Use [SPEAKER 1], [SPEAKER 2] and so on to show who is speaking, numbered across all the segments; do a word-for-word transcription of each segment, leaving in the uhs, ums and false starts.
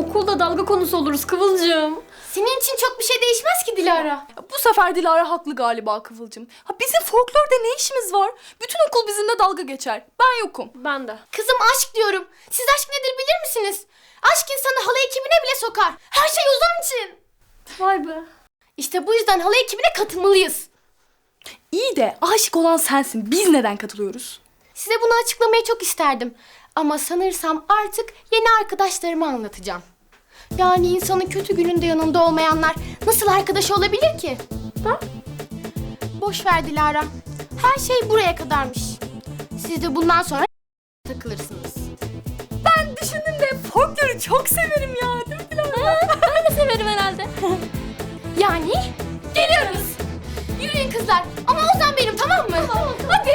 [SPEAKER 1] okulda dalga konusu oluruz Kıvılcım.
[SPEAKER 2] Senin için çok bir şey değişmez ki Dilara.
[SPEAKER 3] Bu sefer Dilara haklı galiba Kıvılcım. Ha, bizim folklorda ne işimiz var? Bütün okul bizimle dalga geçer. Ben yokum.
[SPEAKER 1] Ben de.
[SPEAKER 2] Kızım aşk diyorum. Siz aşk nedir bilir misiniz? Aşk insanı halay ekibine bile sokar. Her şey Ozan için.
[SPEAKER 1] Vay be.
[SPEAKER 2] İşte bu yüzden halay ekibine katılmalıyız.
[SPEAKER 3] İyi de aşık olan sensin. Biz neden katılıyoruz?
[SPEAKER 2] Size bunu açıklamayı çok isterdim. Ama sanırsam artık yeni arkadaşlarıma anlatacağım. Yani insanın kötü gününde yanında olmayanlar nasıl arkadaş olabilir ki? Ha? Boş ver Dilara. Her şey buraya kadarmış. Siz de bundan sonra takılırsınız.
[SPEAKER 3] Ben düşündüm de folkloru çok severim ya. Değil mi Dilara?
[SPEAKER 1] Ben de severim herhalde.
[SPEAKER 2] Yani geliyoruz. Yürüyün kızlar. Ama Ozan benim, tamam mı? Tamam. Hadi.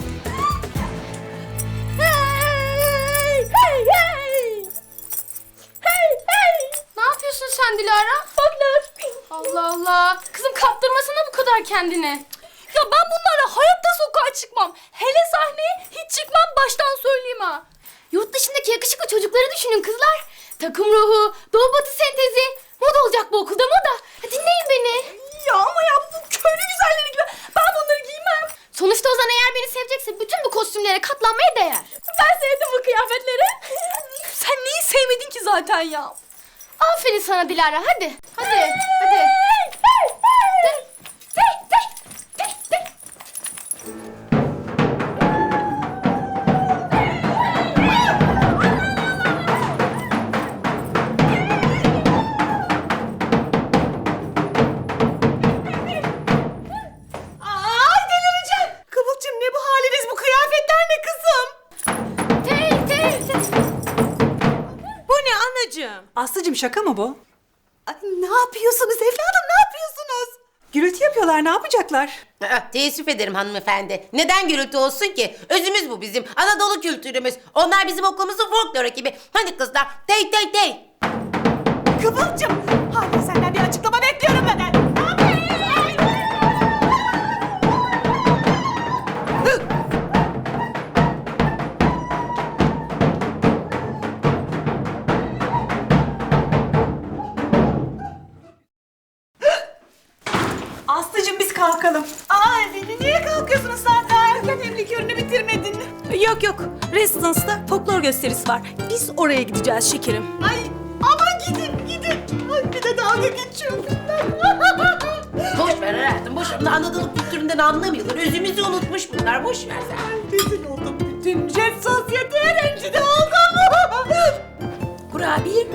[SPEAKER 2] Hey, hey, hey. Hey, hey. Ne yapıyorsun sen Dilara? Folklor. Allah Allah. Kızım kaptırmasana bu kadar kendini.
[SPEAKER 3] Ya ben bunlarla hayatta sokağa çıkmam. Hele sahneye hiç çıkmam, baştan söyleyeyim ha.
[SPEAKER 2] Yurt dışındaki yakışıklı çocukları düşünün kızlar. Takım ruhu, doğu batı sentezi. Moda olacak bu okulda, moda. Dinleyin beni.
[SPEAKER 3] Ya ama ya bu köylü güzelleri gibi. Ben bunları giymem.
[SPEAKER 2] Sonuçta Ozan eğer beni sevecekse bütün bu kostümlere katlanmaya değer.
[SPEAKER 3] Ben sevdim bu kıyafetleri. Sen neyi sevmedin ki zaten ya?
[SPEAKER 2] Aferin sana Dilara, hadi. Hadi, hadi. De, de, de, de, de.
[SPEAKER 4] Kıvılcım ne bu haliniz, bu kıyafetler ne kızım?
[SPEAKER 2] Tey, tey, tey.
[SPEAKER 4] Bu ne anacığım? Aslıcığım şaka mı bu? Ay, ne yapıyorsunuz evladım, ne yapıyorsunuz? Gürültü yapıyorlar, ne yapacaklar?
[SPEAKER 5] Aa, teessüf ederim hanımefendi. Neden gürültü olsun ki? Özümüz bu bizim. Anadolu kültürümüz. Onlar bizim okulumuzun folklor ekibi. Hadi kızlar. Tey tey tey.
[SPEAKER 4] Kıvılcım, hala senden bir açıklama bekliyorum ben. Ne yapıyorsun? Aslıcığım biz kalkalım. Aa, niye kalkıyorsunuz zaten? Erken evlilik ürünü bitirmedin.
[SPEAKER 6] Yok yok. Residence'da folklor gösterisi var. Biz oraya gideceğiz şekerim.
[SPEAKER 4] Ay aman gidin gidin. Ay bir de dalga geçiyor bunlar.
[SPEAKER 5] Boş ver hayatım. Boş ver. Bunlar Anadolu kültüründen anlamıyorlar. Özümüzü unutmuş bunlar. Boş ver sen.
[SPEAKER 4] Rezil oldum. Bütün jet sosyeteye rencide oldum.
[SPEAKER 5] Kurabiye.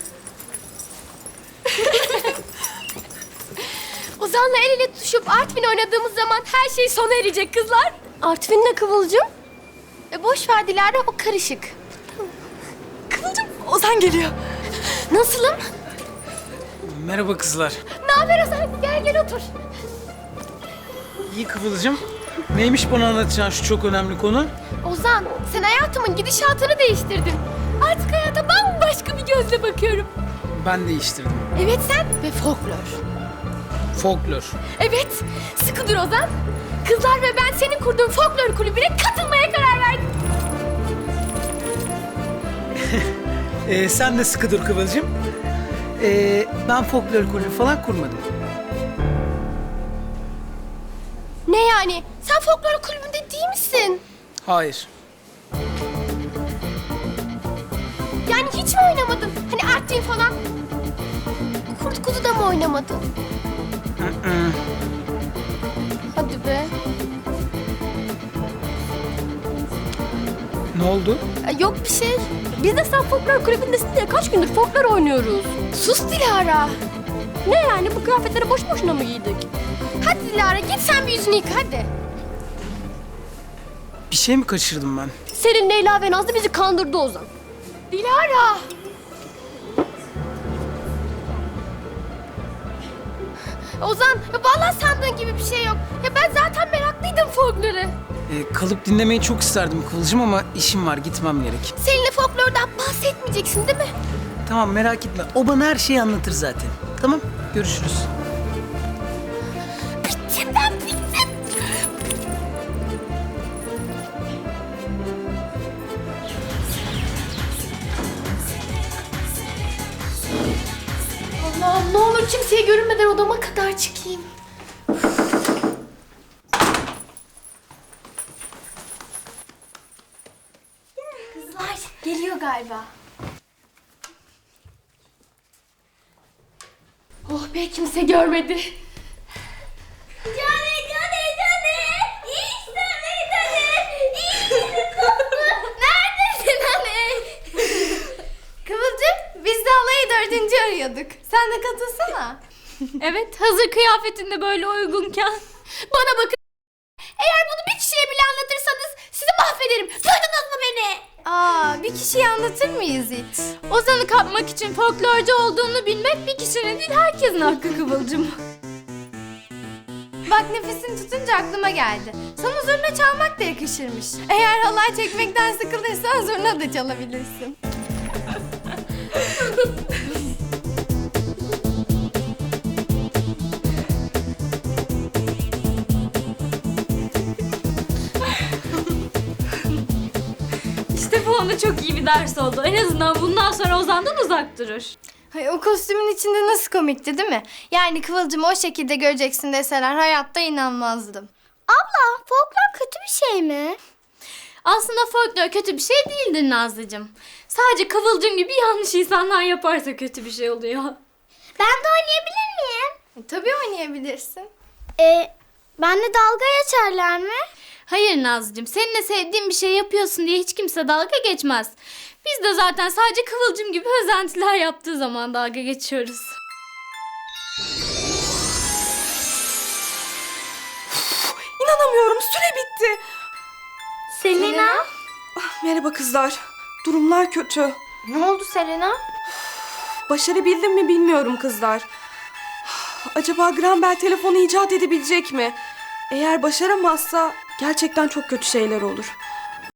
[SPEAKER 2] Ozan'la el ele tutuşup Artvin oynadığımız zaman her şey sona erecek kızlar.
[SPEAKER 1] Artvin ne Kıvılcım?
[SPEAKER 2] E boş ver Dilara, o karışık.
[SPEAKER 3] Kıvılcım, Ozan geliyor.
[SPEAKER 2] Nasılım?
[SPEAKER 7] Merhaba kızlar.
[SPEAKER 2] Ne haber Ozan? Gel gel otur.
[SPEAKER 7] İyi Kıvılcım. Neymiş bana anlatacağın şu çok önemli konu?
[SPEAKER 2] Ozan, sen hayatımın gidişatını değiştirdin. Artık hayata bambaşka bir gözle bakıyorum.
[SPEAKER 7] Ben değiştirdim.
[SPEAKER 2] Evet sen ve folklor.
[SPEAKER 7] Folklor.
[SPEAKER 2] Evet, sıkı dur Ozan. Kızlar ve ben senin kurduğun folklor kulübüne katılmaya karar verdik.
[SPEAKER 7] Ee, sen de sıkı dur Kıvılcım. Ee, ben folklor kulübü falan kurmadım.
[SPEAKER 2] Ne yani? Sen folklor kulübünde değil misin?
[SPEAKER 7] Hayır.
[SPEAKER 2] Yani hiç mi oynamadın? Hani Artvin falan. Kurt kuzu da mı oynamadın?
[SPEAKER 7] Hı-hı.
[SPEAKER 2] Hadi be.
[SPEAKER 7] Ne oldu?
[SPEAKER 2] E, Yok bir şey.
[SPEAKER 1] Biz de sen folklor kulübündesin diye kaç gündür folklor oynuyoruz.
[SPEAKER 2] Sus Dilara.
[SPEAKER 1] Ne yani bu kıyafetleri boş boşuna mı giydik?
[SPEAKER 2] Hadi Dilara git sen bir yüzünü yıka hadi.
[SPEAKER 7] Bir şey mi kaçırdım ben?
[SPEAKER 1] Selin, Leyla ve Nazlı bizi kandırdı Ozan.
[SPEAKER 2] Dilara. Ozan, ya vallahi sandığın gibi bir şey yok. Ya ben zaten meraklıydım folklora.
[SPEAKER 7] Ee, kalıp dinlemeyi çok isterdim Kıvılcım ama işim var, gitmem gerek.
[SPEAKER 2] Seninle folklordan bahsetmeyeceksin değil mi?
[SPEAKER 7] Tamam, merak etme. O bana her şeyi anlatır zaten. Tamam, görüşürüz.
[SPEAKER 2] Bittim ben bittim. Şu kimseye görünmeden odama kadar çıkayım. Kızlar geliyor galiba. Oh be, kimse görmedi.
[SPEAKER 8] Cane, cane, cane. İşte beni cane. İşte koptu. Neredesin hani?
[SPEAKER 2] Kıvılcım, biz de alayı dördüncü arıyorduk. Sen de katılsana.
[SPEAKER 1] Evet, hazır kıyafetinde böyle uygunken.
[SPEAKER 2] Bana bakın. Eğer bunu bir kişiye bile anlatırsanız sizi mahvederim. Duydunuz mu beni? Aa, bir kişiye anlatır mıyız hiç?
[SPEAKER 1] Ozan'ı kapmak için folklorcu olduğunu bilmek bir kişinin değil herkesin hakkı Kıvılcım.
[SPEAKER 2] Bak, nefesini tutunca aklıma geldi. Sana zurna çalmak da yakışırmış. Eğer halay çekmekten sıkılırsan zurna da çalabilirsin.
[SPEAKER 1] İşte bu ona çok iyi bir ders oldu. En azından bundan sonra Ozan'dan uzak durur.
[SPEAKER 2] Ay, o kostümün içinde nasıl komikti değil mi? Yani Kıvılcım'ı o şekilde göreceksin deseler hayatta inanmazdım.
[SPEAKER 8] Abla, folklor kötü bir şey mi?
[SPEAKER 1] Aslında folklor kötü bir şey değildir Nazlıcığım. Sadece Kıvılcım gibi yanlış insanlar yaparsa kötü bir şey oluyor.
[SPEAKER 8] Ben de oynayabilir miyim?
[SPEAKER 2] E, tabii oynayabilirsin.
[SPEAKER 8] Ee, benle dalga geçerler mi?
[SPEAKER 1] Hayır Nazlıcığım, seninle sevdiğin bir şey yapıyorsun diye hiç kimse dalga geçmez. Biz de zaten sadece Kıvılcım gibi özentiler yaptığı zaman dalga geçiyoruz.
[SPEAKER 3] İnanamıyorum, süre bitti.
[SPEAKER 2] Selena?
[SPEAKER 3] Merhaba kızlar. Durumlar kötü.
[SPEAKER 2] Ne oldu Selena?
[SPEAKER 3] Başarabildim mi bilmiyorum kızlar. Acaba Graham Bell telefonu icat edebilecek mi? Eğer başaramazsa gerçekten çok kötü şeyler olur.